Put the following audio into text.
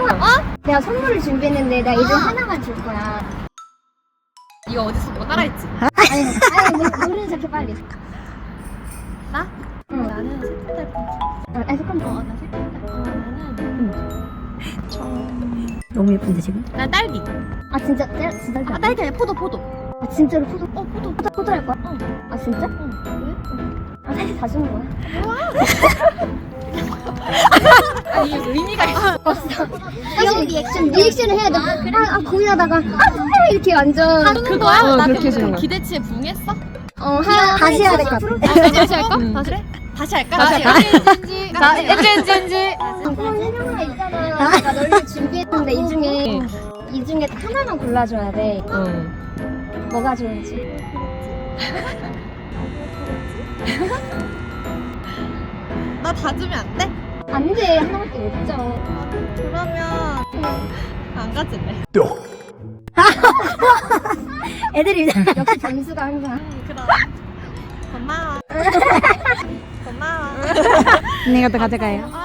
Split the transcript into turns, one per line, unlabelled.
어? 내가 선물을 준비했는데 내가 이 중 하나만 줄 거야.
이거 어디서 뭐 따라했지?
아니 노래 시작해 빨리.
나?
응.
나는 색깔
아니 잠깐만.
나 색깔
너무 예쁜데 지금?
난 딸기.
아 진짜 진짜
아 딸기 아니야 포도.
아 진짜로 포도
포도.
할 거야?
어.
아 진짜?
왜?
아 사실 다 주는 거야?
아니 이게 의미가 있어.
이거 리액션을 해야 돼. 고민하다가 이렇게 완전
그거야? 나
그렇게
그
해주는 거야.
기대치에 부응했어?
다시 해야 될 것 같아.
다시 할까? 그래? 다시 할까?
다시
할까?
엔지.
그런 해명가 있잖아. 내가 널리 준비했는데 이 중에 하나만 골라줘야 돼. 뭐가 좋은지.
나 다 주면 안 돼?
안 돼. 하나밖에 못 줘.
그러면 안 가질래.
애들이
역시 점수가 항상.
그럼 고마워. 고마워.
내가 또 가져가요.
아